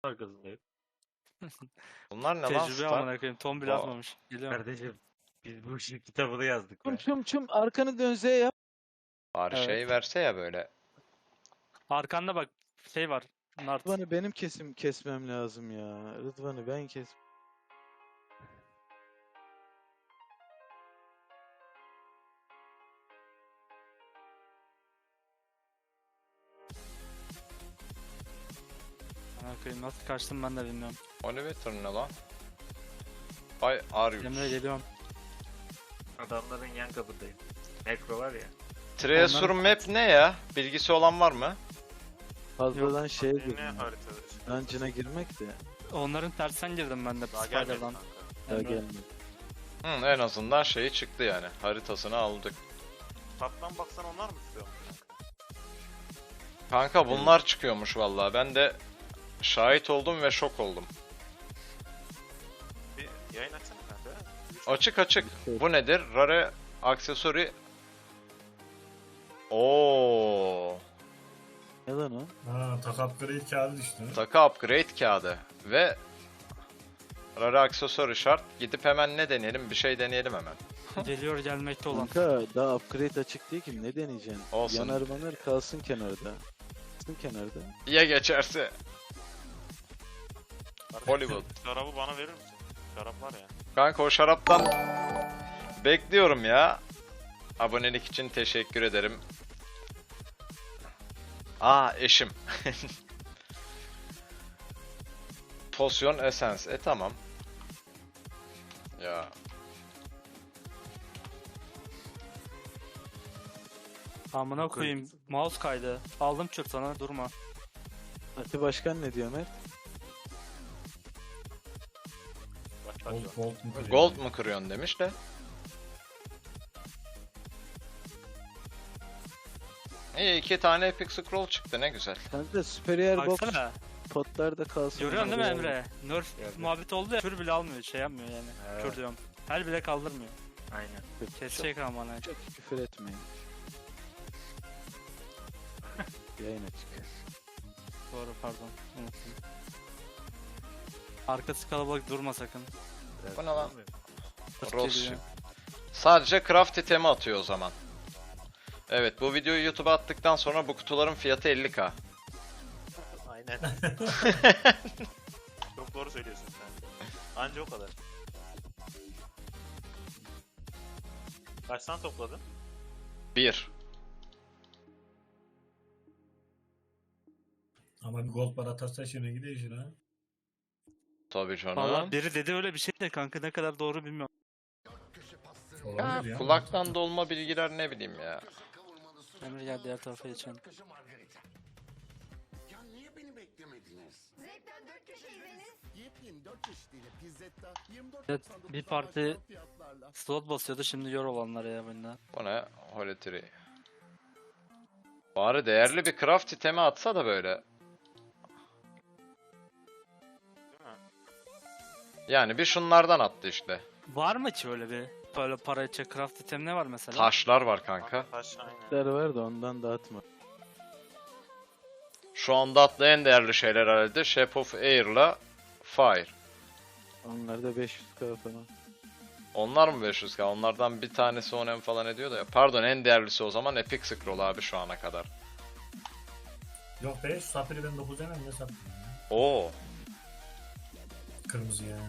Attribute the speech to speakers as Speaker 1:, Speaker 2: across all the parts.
Speaker 1: arkasındayım.
Speaker 2: Bunlar ne lan?
Speaker 3: Tecrübe
Speaker 2: Star?
Speaker 3: amına koyayım. Tom bile
Speaker 2: Aa.
Speaker 3: atmamış. Geliyorum.
Speaker 1: Kardeşim biz bu işin kitabını yazdık
Speaker 4: Çum
Speaker 1: be.
Speaker 4: çum çum arkanı dön Z yap.
Speaker 2: Bari
Speaker 3: Evet.
Speaker 2: şey verse ya böyle.
Speaker 3: Arkanda bak şey var. Nart.
Speaker 4: Rıdvan'ı benim kesmem lazım ya. Rıdvan'ı ben kes.
Speaker 3: Amına koyayım nasıl kaçtım ben de bilmiyorum.
Speaker 2: Olivetor ne lan? Ay Arius.
Speaker 3: Emre geliyorum.
Speaker 1: Adamların yan kapındayım. Necro var ya.
Speaker 2: Treasure
Speaker 3: Onların-
Speaker 2: map ne ya? Bilgisi olan var mı?
Speaker 4: Fazladan şeye
Speaker 5: Ne
Speaker 4: girdim.
Speaker 5: haritada?
Speaker 4: Dungeon'a girmek de
Speaker 3: Onların tersten girdim ben de
Speaker 5: Daha gelmedi
Speaker 3: Spider'dan.
Speaker 5: kanka.
Speaker 4: daha
Speaker 3: Emre.
Speaker 4: gelmedi.
Speaker 2: Hı, en azından şeyi çıktı yani. Haritasını aldık.
Speaker 5: Taptan baksan onlar mı tutuyor?
Speaker 2: Kanka bunlar çıkıyormuş vallahi. Ben de şahit oldum ve şok oldum.
Speaker 5: Bir yayın açsana kanka.
Speaker 2: Açık açık. Bu nedir? Rare aksesuari. Oo.
Speaker 4: Ne lan o?
Speaker 6: Ha, tak upgrade kağıdı düştü.
Speaker 2: Takı upgrade kağıdı ve rare aksesuari şart. Gidip hemen ne deneyelim? Bir şey deneyelim hemen.
Speaker 3: Geliyor gelmekte olan.
Speaker 4: Kanka daha upgrade açık değil ki, ne deneyeceksin?
Speaker 2: Olsun.
Speaker 4: Yanar manar kalsın kenarda. Kalsın kenarda.
Speaker 2: Ya geçerse? Hollywood.
Speaker 5: Şarabı bana verir misin? Şarap var ya.
Speaker 2: Kanka o şaraptan bekliyorum ya. Abonelik için teşekkür ederim. Aa eşim. Potion Essence. Tamam. Ya
Speaker 3: Amına koyayım. Mouse kaydı. Aldım çöp sana durma.
Speaker 4: Ati Başkan ne diyor Mert?
Speaker 5: Başlar
Speaker 6: Gold,
Speaker 5: şu an.
Speaker 6: gold mu kırıyor?
Speaker 2: gold mu kırıyorsun demiş de. İyi 2 tane Epic Scroll çıktı ne güzel.
Speaker 4: Kanka Superior Box
Speaker 3: Baksana.
Speaker 4: potlarda kalsın.
Speaker 3: Görüyorsun değil mi
Speaker 4: kenarda.
Speaker 3: Emre? Nerf
Speaker 1: Gördüm.
Speaker 3: muhabbet oldu ya. Kür bile almıyor. Şey yapmıyor yani.
Speaker 1: Evet.
Speaker 3: Kür diyorum. Her bile kaldırmıyor.
Speaker 1: Aynen.
Speaker 3: Kesecek amına.
Speaker 4: Çok küfür etmeyin. Yayın açık.
Speaker 3: Doğru pardon. Unuttum. Arkası kalabalık durma sakın.
Speaker 1: Biraz
Speaker 2: Bu ne lan?
Speaker 1: olmuyor.
Speaker 2: Rose.
Speaker 3: Geliyor.
Speaker 2: Sadece craft itemi atıyor o zaman. Evet bu videoyu YouTube'a attıktan sonra bu kutuların fiyatı 50k.
Speaker 5: Aynen. Çok doğru söylüyorsun sen. Anca o kadar. Kaçtan topladın?
Speaker 2: 1.
Speaker 6: Ama bir gold bar atarsa şuna gidiyor şuna.
Speaker 2: Tabii canım.
Speaker 3: Valla biri dedi öyle bir şey de kanka ne kadar doğru bilmiyorum.
Speaker 6: Olabilir ya.
Speaker 2: Kulaktan dolma bilgiler ne bileyim ya.
Speaker 3: Emre gel diğer tarafa geçelim.
Speaker 7: Ya niye beni beklemediniz?
Speaker 8: Zevkten 4 köşeydiniz.
Speaker 7: Yepyeni 4 çeşidiyle Pizzetta 24
Speaker 3: Evet,
Speaker 7: 99
Speaker 3: bir parti
Speaker 7: fiyatlarla.
Speaker 3: slot basıyordu şimdi yor olanlar ya bunlar.
Speaker 2: Bu ne? Holy Tree. Bari değerli bir craft itemi atsa da böyle.
Speaker 5: Değil mi?
Speaker 2: Yani bir şunlardan attı işte.
Speaker 3: Var mı ki öyle bir böyle para edecek craft item ne var mesela?
Speaker 2: Taşlar var kanka.
Speaker 5: Taş aynen.
Speaker 4: Der var da ondan dağıtma.
Speaker 2: Şu anda atlı en değerli şeyler herhalde Shape of Air'la Fire.
Speaker 4: Onlar da 500k falan.
Speaker 2: Onlar mı 500k? Onlardan bir tanesi 10M falan ediyor da. Pardon en değerlisi o zaman Epic Scroll abi şu ana kadar.
Speaker 6: Yok be, şu sapiri ben 9 hemen ne sapiri ya?
Speaker 2: Oo.
Speaker 6: Kırmızı ya.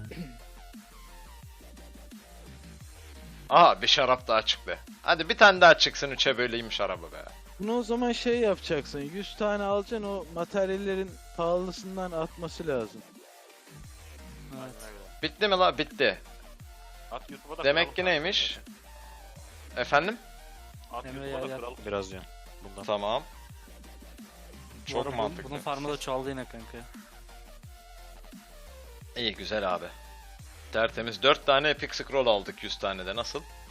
Speaker 2: Aha bir şarap daha çıktı. Hadi bir tane daha çıksın 3'e böleyim şarabı be.
Speaker 4: Bunu o zaman şey yapacaksın. 100 tane alacaksın, o materyallerin pahalısından atması lazım.
Speaker 3: Evet.
Speaker 5: Aynen öyle.
Speaker 2: Bitti mi la? Bitti.
Speaker 5: At YouTube'a da
Speaker 2: Demek
Speaker 5: kıralım
Speaker 2: ki
Speaker 5: kanka.
Speaker 2: neymiş? Efendim?
Speaker 5: At
Speaker 3: Emre
Speaker 5: YouTube'a da
Speaker 3: gel.
Speaker 5: kıralım.
Speaker 1: Biraz ya. Bundan.
Speaker 2: Tamam.
Speaker 3: Bu
Speaker 2: Çok
Speaker 3: arada
Speaker 2: mantıklı.
Speaker 3: Bunun farmı da çoğaldı yine kanka.
Speaker 2: İyi güzel abi. Tertemiz 4 tane Epic Scroll aldık 100 tane de nasıl?